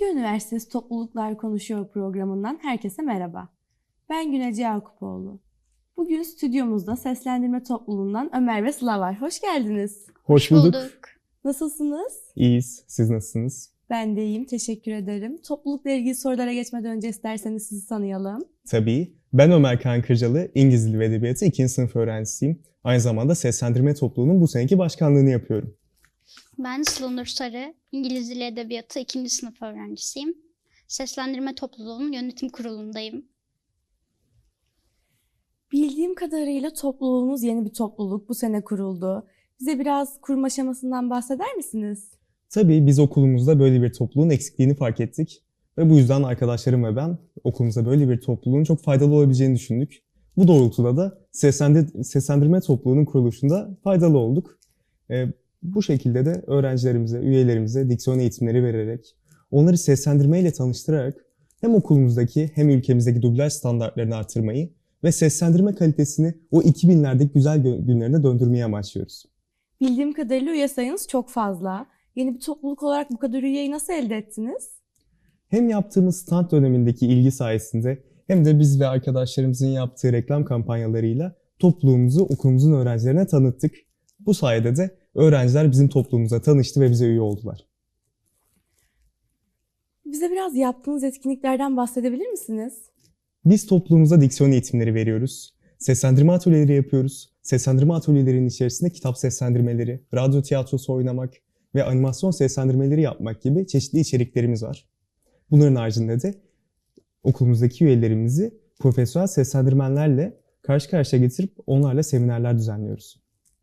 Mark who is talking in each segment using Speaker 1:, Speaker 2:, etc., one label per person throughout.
Speaker 1: Ege Üniversitesi Topluluklar Konuşuyor programından herkese merhaba. Ben Günece Yakupoğlu. Bugün stüdyomuzda seslendirme topluluğundan Ömer ve Sıla var. Hoş geldiniz.
Speaker 2: Hoş bulduk.
Speaker 1: Nasılsınız?
Speaker 2: İyiyiz. Siz nasılsınız?
Speaker 1: Ben de iyiyim, teşekkür ederim. Toplulukla ilgili sorulara geçmeden önce isterseniz sizi tanıyalım.
Speaker 2: Tabii. Ben Ömer Kaan Kırcalı, İngiliz Dili ve Edebiyatı 2. sınıf öğrencisiyim. Aynı zamanda seslendirme topluluğunun bu seneki başkanlığını yapıyorum.
Speaker 3: Ben Sıla Nur Sarı, İngiliz Dili Edebiyatı 2. sınıf öğrencisiyim. Seslendirme topluluğunun yönetim kurulundayım.
Speaker 1: Bildiğim kadarıyla topluluğunuz yeni bir topluluk, bu sene kuruldu. Bize biraz kurma aşamasından bahseder misiniz?
Speaker 2: Tabii biz okulumuzda böyle bir topluluğun eksikliğini fark ettik. Ve bu yüzden arkadaşlarım ve ben okulumuza böyle bir topluluğun çok faydalı olabileceğini düşündük. Bu doğrultuda da seslendirme topluluğunun kuruluşunda faydalı olduk. Bu şekilde de öğrencilerimize, üyelerimize diksiyon eğitimleri vererek, onları seslendirmeyle tanıştırarak hem okulumuzdaki hem ülkemizdeki dublaj standartlarını artırmayı ve seslendirme kalitesini o 2000'lerdeki güzel günlerine döndürmeyi amaçlıyoruz.
Speaker 1: Bildiğim kadarıyla üye sayınız çok fazla. Yeni bir topluluk olarak bu kadar üyeyi nasıl elde ettiniz?
Speaker 2: Hem yaptığımız stand dönemindeki ilgi sayesinde hem de biz ve arkadaşlarımızın yaptığı reklam kampanyalarıyla topluluğumuzu okulumuzun öğrencilerine tanıttık. Bu sayede de öğrenciler bizim topluluğumuza tanıştı ve bize üye oldular.
Speaker 1: Bize biraz yaptığınız etkinliklerden bahsedebilir misiniz?
Speaker 2: Biz topluluğumuza diksiyon eğitimleri veriyoruz. Seslendirme atölyeleri yapıyoruz. Seslendirme atölyelerinin içerisinde kitap seslendirmeleri, radyo tiyatrosu oynamak ve animasyon seslendirmeleri yapmak gibi çeşitli içeriklerimiz var. Bunların haricinde de okulumuzdaki üyelerimizi profesyonel seslendirmenlerle karşı karşıya getirip onlarla seminerler düzenliyoruz.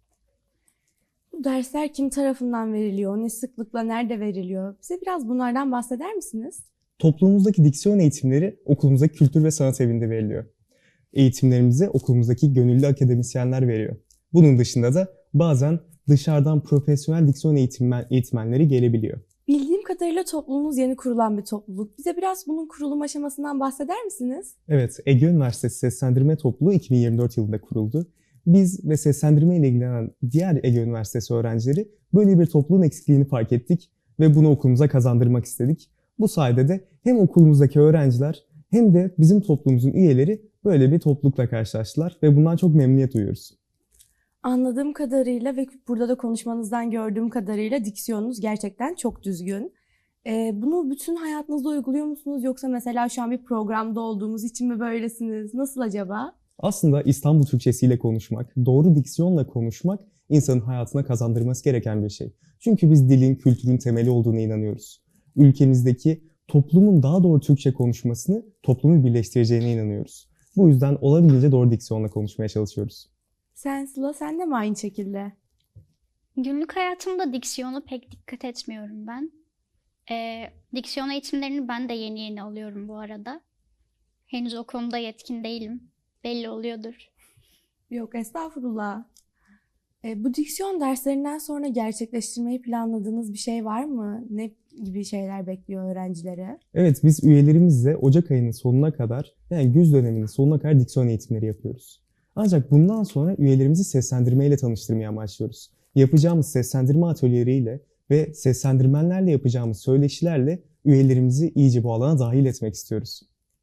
Speaker 1: Bu dersler kim tarafından veriliyor, ne sıklıkla, nerede veriliyor? Bize biraz bunlardan bahseder misiniz?
Speaker 2: Toplumumuzdaki diksiyon eğitimleri okulumuzdaki Kültür ve Sanat Evi'nde veriliyor. Eğitimlerimizi okulumuzdaki gönüllü akademisyenler veriyor. Bunun dışında da bazen dışarıdan profesyonel diksiyon eğitmenleri gelebiliyor.
Speaker 1: Bildiğim kadarıyla topluluğunuz yeni kurulan bir topluluk. Bize biraz bunun kurulum aşamasından bahseder misiniz?
Speaker 2: Evet, Ege Üniversitesi Seslendirme Topluluğu 2024 yılında kuruldu. Biz ve seslendirme ile ilgilenen diğer Ege Üniversitesi öğrencileri böyle bir topluluğun eksikliğini fark ettik ve bunu okulumuza kazandırmak istedik. Bu sayede de hem okulumuzdaki öğrenciler hem de bizim toplumumuzun üyeleri böyle bir toplulukla karşılaştılar ve bundan çok memnuniyet duyuyoruz.
Speaker 1: Anladığım kadarıyla ve burada da konuşmanızdan gördüğüm kadarıyla diksiyonunuz gerçekten çok düzgün. Bunu bütün hayatınızda uyguluyor musunuz? Yoksa mesela şu an bir programda olduğumuz için mi böylesiniz? Nasıl acaba?
Speaker 2: Aslında İstanbul Türkçesiyle konuşmak, doğru diksiyonla konuşmak insanın hayatına kazandırması gereken bir şey. Çünkü biz dilin, kültürün temeli olduğuna inanıyoruz. Ülkemizdeki toplumun daha doğru Türkçe konuşmasını toplumu birleştireceğine inanıyoruz. Bu yüzden olabildiğince doğru diksiyonla konuşmaya çalışıyoruz.
Speaker 1: Sıla, sen de mi aynı şekilde?
Speaker 3: Günlük hayatımda diksiyona pek dikkat etmiyorum ben. Diksiyon eğitimlerini ben de yeni alıyorum bu arada. Henüz o konuda yetkin değilim. Belli oluyordur.
Speaker 1: Yok, estağfurullah. Bu diksiyon derslerinden sonra gerçekleştirmeyi planladığınız bir şey var mı? Ne gibi şeyler bekliyor öğrencilere?
Speaker 2: Evet, biz üyelerimizle Ocak ayının sonuna kadar, yani güz döneminin sonuna kadar diksiyon eğitimleri yapıyoruz. Ancak bundan sonra üyelerimizi seslendirmeyle tanıştırmaya amaçlıyoruz. Yapacağımız seslendirme atölyeleriyle ve seslendirmenlerle yapacağımız söyleşilerle üyelerimizi iyice bu alana dahil etmek istiyoruz.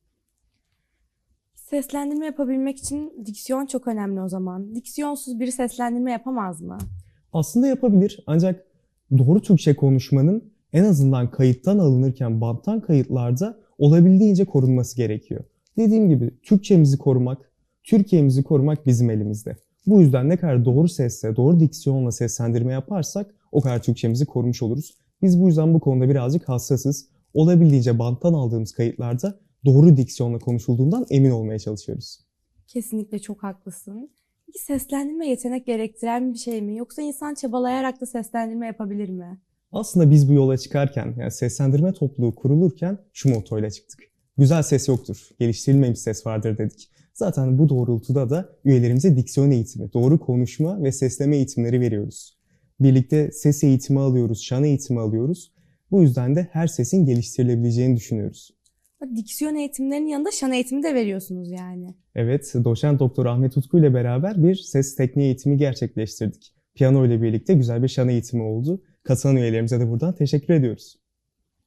Speaker 1: Seslendirme yapabilmek için diksiyon çok önemli o zaman. Diksiyonsuz biri seslendirme yapamaz mı?
Speaker 2: Aslında yapabilir, ancak doğru Türkçe konuşmanın en azından kayıttan alınırken banttan kayıtlarda olabildiğince korunması gerekiyor. Dediğim gibi Türkçemizi korumak, Türkiye'mizi korumak bizim elimizde. Bu yüzden ne kadar doğru sesle, doğru diksiyonla seslendirme yaparsak o kadar Türkçemizi korumuş oluruz. Biz bu yüzden bu konuda birazcık hassasız. Olabildiğince banttan aldığımız kayıtlarda doğru diksiyonla konuşulduğundan emin olmaya çalışıyoruz.
Speaker 1: Kesinlikle çok haklısın. Peki seslendirme yetenek gerektiren bir şey mi? Yoksa insan çabalayarak da seslendirme yapabilir mi?
Speaker 2: Aslında biz bu yola çıkarken, yani seslendirme topluluğu kurulurken şu mottoyla çıktık. Güzel ses yoktur, geliştirilmemiş ses vardır dedik. Zaten bu doğrultuda da üyelerimize diksiyon eğitimi, doğru konuşma ve sesleme eğitimleri veriyoruz. Birlikte ses eğitimi alıyoruz, şan eğitimi alıyoruz. Bu yüzden de her sesin geliştirilebileceğini düşünüyoruz.
Speaker 1: Diksiyon eğitimlerinin yanında şan eğitimi de veriyorsunuz yani.
Speaker 2: Evet, doçent doktor Ahmet Utku ile beraber bir ses tekniği eğitimi gerçekleştirdik. Piyano ile birlikte güzel bir şan eğitimi oldu. Katılan üyelerimize de buradan teşekkür ediyoruz.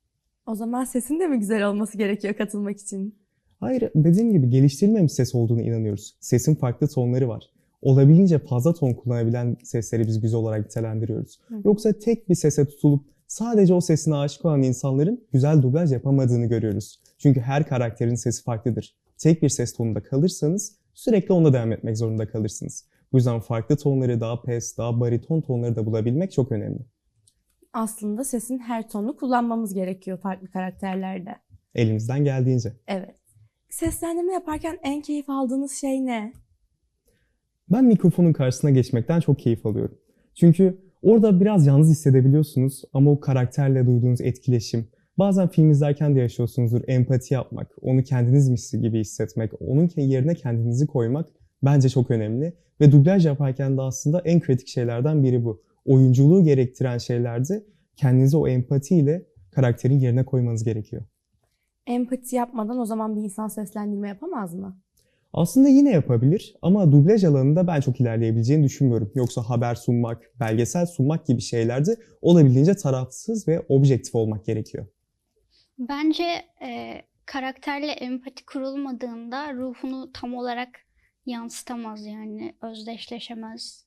Speaker 1: O zaman sesin de mi güzel olması gerekiyor katılmak için?
Speaker 2: Hayır, dediğim gibi geliştirilmemiş ses olduğunu inanıyoruz. Sesin farklı tonları var. Olabildiğince fazla ton kullanabilen sesleri biz güzel olarak nitelendiriyoruz.
Speaker 1: Hı.
Speaker 2: Yoksa tek bir sese tutulup sadece o sesine aşık olan insanların güzel dublaj yapamadığını görüyoruz. Çünkü her karakterin sesi farklıdır. Tek bir ses tonunda kalırsanız sürekli onda devam etmek zorunda kalırsınız. Bu yüzden farklı tonları, daha pes, daha bariton tonları da bulabilmek çok önemli.
Speaker 1: Aslında sesin her tonunu kullanmamız gerekiyor farklı karakterlerde.
Speaker 2: Elimizden geldiğince.
Speaker 1: Evet. Seslendirme yaparken en keyif aldığınız şey ne?
Speaker 2: Ben mikrofonun karşısına geçmekten çok keyif alıyorum. Çünkü orada biraz yalnız hissedebiliyorsunuz ama o karakterle duyduğunuz etkileşim, bazen film izlerken de yaşıyorsunuzdur, empati yapmak, onu kendinizmiş gibi hissetmek, onun yerine kendinizi koymak bence çok önemli. Ve dublaj yaparken de aslında en kritik şeylerden biri bu. Oyunculuğu gerektiren şeylerde kendinizi o empatiyle karakterin yerine koymanız gerekiyor.
Speaker 1: Empati yapmadan o zaman bir insan seslendirme yapamaz mı?
Speaker 2: Aslında yine yapabilir ama dublaj alanında ben çok ilerleyebileceğini düşünmüyorum. Yoksa haber sunmak, belgesel sunmak gibi şeylerde olabildiğince tarafsız ve objektif olmak gerekiyor.
Speaker 3: Bence karakterle empati kurulmadığında ruhunu tam olarak yansıtamaz, yani özdeşleşemez.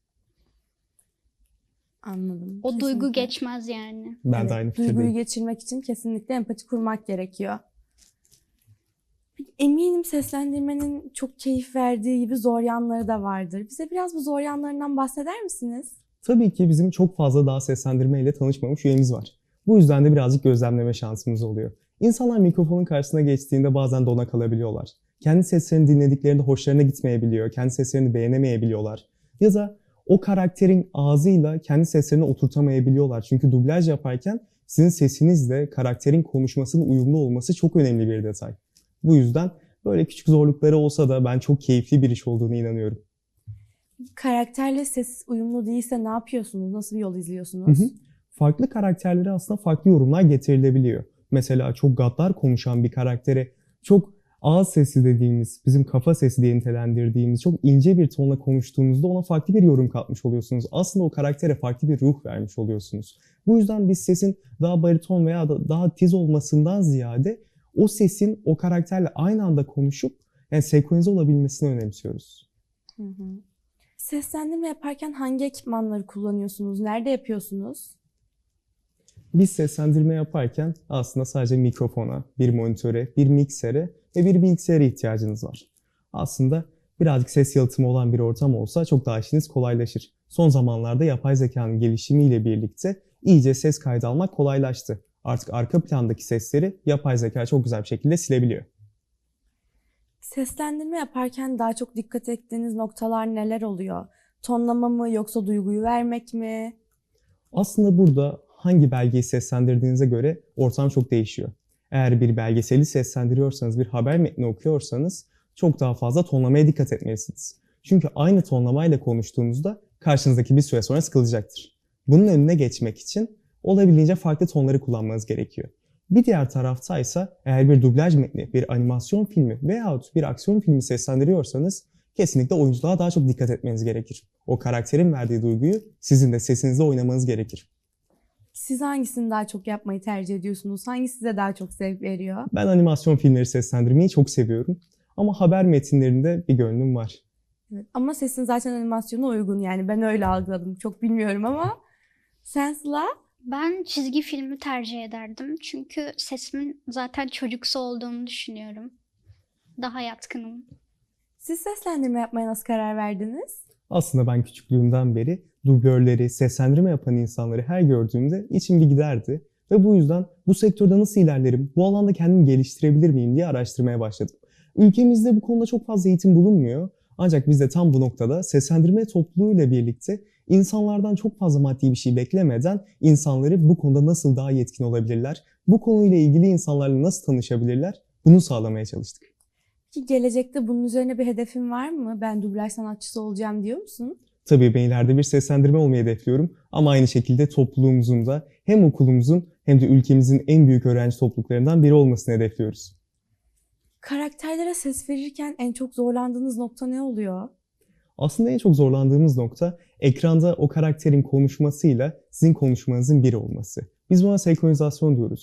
Speaker 1: Anladım.
Speaker 3: O duygu
Speaker 1: Kesinlikle.
Speaker 3: geçmez yani.
Speaker 2: Ben
Speaker 1: Evet,
Speaker 2: de aynı
Speaker 1: duyguyu
Speaker 2: fikirdeyim.
Speaker 1: geçirmek için kesinlikle empati kurmak gerekiyor. Eminim seslendirmenin çok keyif verdiği gibi zor yanları da vardır. Bize biraz bu zor yanlarından bahseder misiniz?
Speaker 2: Tabii ki bizim çok fazla daha seslendirme ile tanışmamış üyemiz var. Bu yüzden de birazcık gözlemleme şansımız oluyor. İnsanlar mikrofonun karşısına geçtiğinde bazen dona kalabiliyorlar. Kendi seslerini dinlediklerinde hoşlarına gitmeyebiliyor, kendi seslerini beğenemeyebiliyorlar. Ya da o karakterin ağzıyla kendi seslerini oturtamayabiliyorlar. Çünkü dublaj yaparken sizin sesinizle karakterin konuşmasının uyumlu olması çok önemli bir detay. Bu yüzden böyle küçük zorlukları olsa da ben çok keyifli bir iş olduğunu inanıyorum.
Speaker 1: Karakterle ses uyumlu değilse ne yapıyorsunuz? Nasıl bir yol izliyorsunuz?
Speaker 2: Farklı karakterlere aslında farklı yorumlar getirilebiliyor. Mesela çok gaddar konuşan bir karaktere çok ağız sesi dediğimiz, bizim kafa sesi diye nitelendirdiğimiz çok ince bir tonla konuştuğunuzda ona farklı bir yorum katmış oluyorsunuz. Aslında o karaktere farklı bir ruh vermiş oluyorsunuz. Bu yüzden biz sesin daha bariton veya da daha tiz olmasından ziyade o sesin o karakterle aynı anda konuşup yani senkronize olabilmesini önemsiyoruz.
Speaker 1: Hı hı. Seslendirme yaparken hangi ekipmanları kullanıyorsunuz? Nerede yapıyorsunuz?
Speaker 2: Biz seslendirme yaparken aslında sadece mikrofona, bir monitöre, bir miksere ve bir bilgisayara ihtiyacınız var. Aslında birazcık ses yalıtımı olan bir ortam olsa çok daha işiniz kolaylaşır. Son zamanlarda yapay zekanın gelişimiyle birlikte iyice ses kaydı almak kolaylaştı. Artık arka plandaki sesleri yapay zeka çok güzel bir şekilde silebiliyor.
Speaker 1: Seslendirme yaparken daha çok dikkat ettiğiniz noktalar neler oluyor? Tonlama mı yoksa duyguyu vermek mi?
Speaker 2: Aslında burada hangi belgeyi seslendirdiğinize göre ortam çok değişiyor. Eğer bir belgeseli seslendiriyorsanız, bir haber metni okuyorsanız çok daha fazla tonlamaya dikkat etmelisiniz. Çünkü aynı tonlamayla konuştuğunuzda karşınızdaki bir süre sonra sıkılacaktır. Bunun önüne geçmek için olabildiğince farklı tonları kullanmanız gerekiyor. Bir diğer taraftaysa eğer bir dublaj metni, bir animasyon filmi veyahut bir aksiyon filmi seslendiriyorsanız kesinlikle oyunculuğa daha çok dikkat etmeniz gerekir. O karakterin verdiği duyguyu sizin de sesinizle oynamanız gerekir.
Speaker 1: Siz hangisini daha çok yapmayı tercih ediyorsunuz? Hangisi size daha çok zevk veriyor?
Speaker 2: Ben animasyon filmleri seslendirmeyi çok seviyorum. Ama haber metinlerinde bir gönlüm var.
Speaker 1: Evet. Ama sesin zaten animasyona uygun, yani ben öyle algıladım. Çok bilmiyorum ama sen Sıla?
Speaker 3: Ben çizgi filmi tercih ederdim. Çünkü sesimin zaten çocuksu olduğunu düşünüyorum. Daha yatkınım.
Speaker 1: Siz seslendirme yapmaya nasıl karar verdiniz?
Speaker 2: Aslında ben küçüklüğümden beri dublörleri, seslendirme yapan insanları her gördüğümde içim bir giderdi. Ve bu yüzden bu sektörde nasıl ilerlerim, bu alanda kendimi geliştirebilir miyim diye araştırmaya başladım. Ülkemizde bu konuda çok fazla eğitim bulunmuyor. Ancak biz de tam bu noktada seslendirme topluluğuyla birlikte insanlardan çok fazla maddi bir şey beklemeden insanları bu konuda nasıl daha yetkin olabilirler, bu konuyla ilgili insanlarla nasıl tanışabilirler, bunu sağlamaya çalıştık.
Speaker 1: Ki gelecekte bunun üzerine bir hedefin var mı? Ben dublaj sanatçısı olacağım diyor musun?
Speaker 2: Tabii ben ileride bir seslendirme olmayı hedefliyorum ama aynı şekilde topluluğumuzun da hem okulumuzun hem de ülkemizin en büyük öğrenci topluluklarından biri olmasını hedefliyoruz.
Speaker 1: Karakterlere ses verirken en çok zorlandığınız nokta ne oluyor?
Speaker 2: Aslında en çok zorlandığımız nokta ekranda o karakterin konuşmasıyla sizin konuşmanızın bir olması. Biz buna senkronizasyon diyoruz.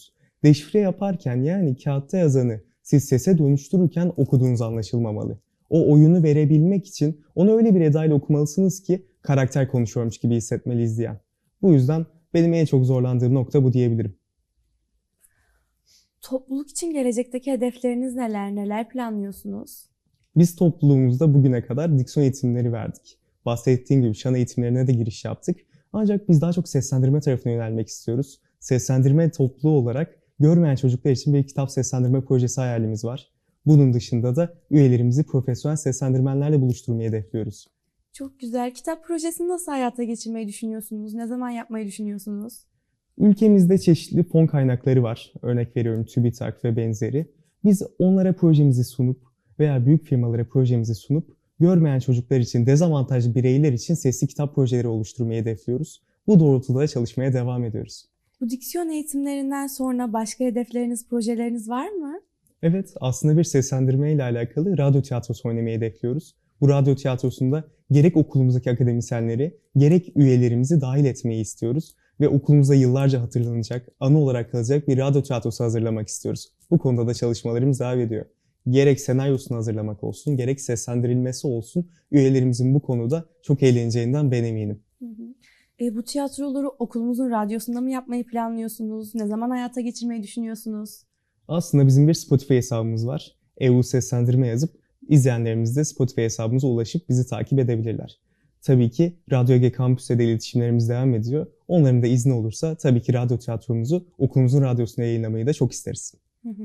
Speaker 2: Deşifre yaparken yani kağıtta yazanı siz sese dönüştürürken okuduğunuz anlaşılmamalı. O oyunu verebilmek için onu öyle bir edayla okumalısınız ki karakter konuşuyormuş gibi hissetmeli izleyen. Bu yüzden benim en çok zorlandığım nokta bu diyebilirim.
Speaker 1: Topluluk için gelecekteki hedefleriniz neler? Neler planlıyorsunuz?
Speaker 2: Biz topluluğumuzda bugüne kadar diksiyon eğitimleri verdik. Bahsettiğim gibi şan eğitimlerine de giriş yaptık. Ancak biz daha çok seslendirme tarafına yönelmek istiyoruz. Seslendirme topluluğu olarak görmeyen çocuklar için bir kitap seslendirme projesi hayalimiz var. Bunun dışında da üyelerimizi profesyonel seslendirmenlerle buluşturmayı hedefliyoruz.
Speaker 1: Çok güzel. Kitap projesini nasıl hayata geçirmeyi düşünüyorsunuz? Ne zaman yapmayı düşünüyorsunuz?
Speaker 2: Ülkemizde çeşitli fon kaynakları var. Örnek veriyorum TÜBİTAK ve benzeri. Biz onlara projemizi sunup veya büyük firmalara projemizi sunup görmeyen çocuklar için, dezavantajlı bireyler için sesli kitap projeleri oluşturmayı hedefliyoruz. Bu doğrultuda çalışmaya devam ediyoruz.
Speaker 1: Bu diksiyon eğitimlerinden sonra başka hedefleriniz, projeleriniz var mı?
Speaker 2: Evet, aslında bir seslendirme ile alakalı radyo tiyatrosu oynamayı hedefliyoruz. Bu radyo tiyatrosunda gerek okulumuzdaki akademisyenleri, gerek üyelerimizi dahil etmeyi istiyoruz. Ve okulumuzda yıllarca hatırlanacak, anı olarak kalacak bir radyo tiyatrosu hazırlamak istiyoruz. Bu konuda da çalışmalarımız devam ediyor. Gerek senaryosunu hazırlamak olsun, gerek seslendirilmesi olsun, üyelerimizin bu konuda çok eğleneceğinden ben eminim.
Speaker 1: Bu tiyatroları okulumuzun radyosunda mı yapmayı planlıyorsunuz? Ne zaman hayata geçirmeyi düşünüyorsunuz?
Speaker 2: Aslında bizim bir Spotify hesabımız var. EU Seslendirme yazıp izleyenlerimiz de Spotify hesabımıza ulaşıp bizi takip edebilirler. Tabii ki Radyo Ege Kampüs'te de iletişimlerimiz devam ediyor. Onların da izni olursa tabii ki radyo tiyatromuzu okulumuzun radyosuna yayınlamayı da çok isteriz.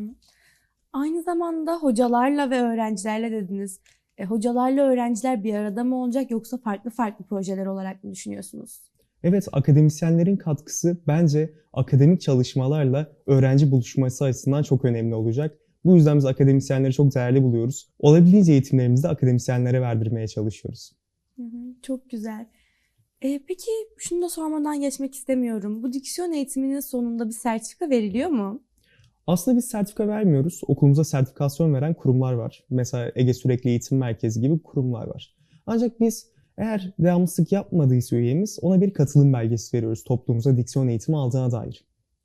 Speaker 1: Aynı zamanda hocalarla ve öğrencilerle dediniz. Hocalarla öğrenciler bir arada mı olacak yoksa farklı farklı projeler olarak mı düşünüyorsunuz?
Speaker 2: Evet, akademisyenlerin katkısı bence akademik çalışmalarla öğrenci buluşması açısından çok önemli olacak. Bu yüzden biz akademisyenleri çok değerli buluyoruz. Olabildiğince eğitimlerimizi de akademisyenlere verdirmeye çalışıyoruz.
Speaker 1: Çok güzel. Peki şunu da sormadan geçmek istemiyorum. Bu diksiyon eğitiminin sonunda bir sertifika veriliyor mu?
Speaker 2: Aslında biz sertifika vermiyoruz. Okulumuza sertifikasyon veren kurumlar var. Mesela Ege Sürekli Eğitim Merkezi gibi kurumlar var. Ancak biz eğer devamlılık yapmadıysa üyemiz ona bir katılım belgesi veriyoruz topluluğumuza diksiyon eğitimi aldığına dair.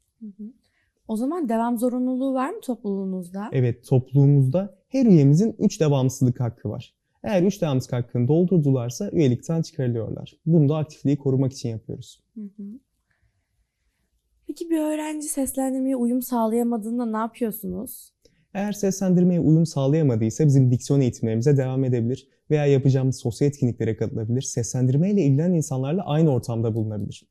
Speaker 1: O zaman devam zorunluluğu var mı topluluğunuzda?
Speaker 2: Evet, topluluğumuzda her üyemizin 3 devamsızlık hakkı var. Eğer 3 devamsızlık hakkını doldurdularsa üyelikten çıkarılıyorlar. Bunu da aktifliği korumak için yapıyoruz.
Speaker 1: Peki bir öğrenci seslendirmeye uyum sağlayamadığında ne yapıyorsunuz?
Speaker 2: Eğer seslendirmeye uyum sağlayamadıysa bizim diksiyon eğitimlerimize devam edebilir veya yapacağımız sosyal etkinliklere katılabilir, seslendirmeyle ilgilenen insanlarla aynı ortamda bulunabilir.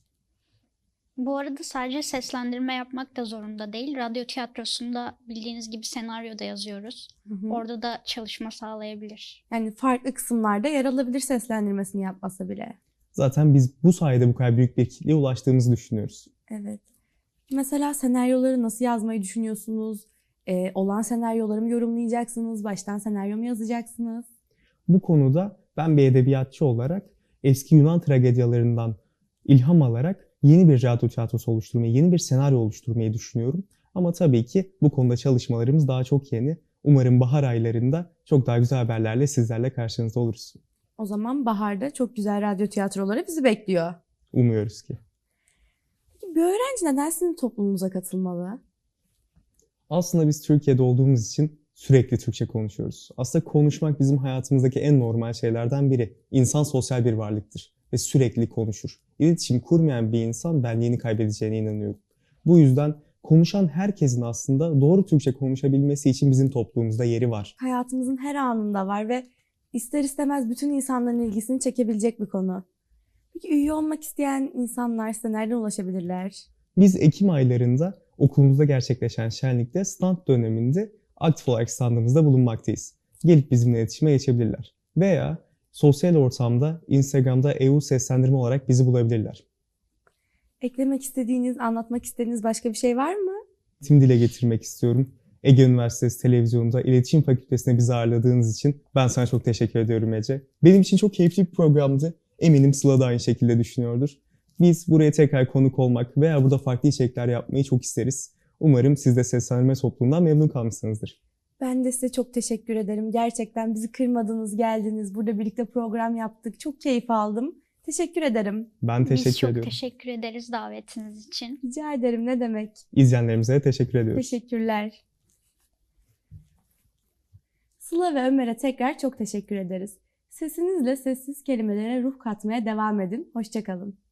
Speaker 3: Bu arada sadece seslendirme yapmak da zorunda değil. Radyo tiyatrosunda bildiğiniz gibi senaryo da yazıyoruz. Orada da çalışma sağlayabilir.
Speaker 1: Yani farklı kısımlarda yer alabilir seslendirmesini yapmasa bile.
Speaker 2: Zaten biz bu sayede bu kadar büyük bir kitleye ulaştığımızı düşünüyoruz.
Speaker 1: Evet. Mesela senaryoları nasıl yazmayı düşünüyorsunuz? Olan senaryoları mı yorumlayacaksınız? Baştan senaryo mu yazacaksınız?
Speaker 2: Bu konuda ben bir edebiyatçı olarak eski Yunan tragedyalarından ilham alarak yeni bir radyo tiyatrosu oluşturmayı, yeni bir senaryo oluşturmayı düşünüyorum. Ama tabii ki bu konuda çalışmalarımız daha çok yeni. Umarım bahar aylarında çok daha güzel haberlerle sizlerle karşınızda oluruz.
Speaker 1: O zaman baharda çok güzel radyo tiyatroları bizi bekliyor.
Speaker 2: Umuyoruz ki.
Speaker 1: Peki bir öğrenci neden sizin topluluğunuza katılmalı?
Speaker 2: Aslında biz Türkiye'de olduğumuz için sürekli Türkçe konuşuyoruz. Aslında konuşmak bizim hayatımızdaki en normal şeylerden biri. İnsan sosyal bir varlıktır ve sürekli konuşur. İletişim kurmayan bir insan benliğini kaybedeceğine inanıyorum. Bu yüzden konuşan herkesin aslında doğru Türkçe konuşabilmesi için bizim toplumumuzda yeri var.
Speaker 1: Hayatımızın her anında var ve ister istemez bütün insanların ilgisini çekebilecek bir konu. Peki üye olmak isteyen insanlar size nereden ulaşabilirler?
Speaker 2: Biz Ekim aylarında okulumuzda gerçekleşen şenlikte stand döneminde aktif olarak standımızda bulunmaktayız. Gelip bizimle iletişime geçebilirler. Veya sosyal ortamda Instagram'da EU Seslendirme olarak bizi bulabilirler.
Speaker 1: Eklemek istediğiniz, anlatmak istediğiniz başka bir şey var mı?
Speaker 2: Tim dile getirmek istiyorum. Ege Üniversitesi Televizyonu'nda İletişim Fakültesi'ne bizi ağırladığınız için ben sana çok teşekkür ediyorum Ece. Benim için çok keyifli bir programdı. Eminim Sıla da aynı şekilde düşünüyordur. Biz buraya tekrar konuk olmak veya burada farklı içerikler yapmayı çok isteriz. Umarım siz de seslendirme topluluğundan memnun kalmışsınızdır.
Speaker 1: Ben de size çok teşekkür ederim. Gerçekten bizi kırmadınız, geldiniz. Burada birlikte program yaptık. Çok keyif aldım. Teşekkür ederim.
Speaker 2: Ben
Speaker 3: Biz
Speaker 2: teşekkür
Speaker 3: çok
Speaker 2: ediyorum.
Speaker 3: teşekkür ederiz davetiniz için.
Speaker 1: Rica ederim, ne demek.
Speaker 2: İzleyenlerimize de teşekkür ediyoruz.
Speaker 1: Teşekkürler. Sıla ve Ömer'e tekrar çok teşekkür ederiz. Sesinizle sessiz kelimelere ruh katmaya devam edin. Hoşça kalın.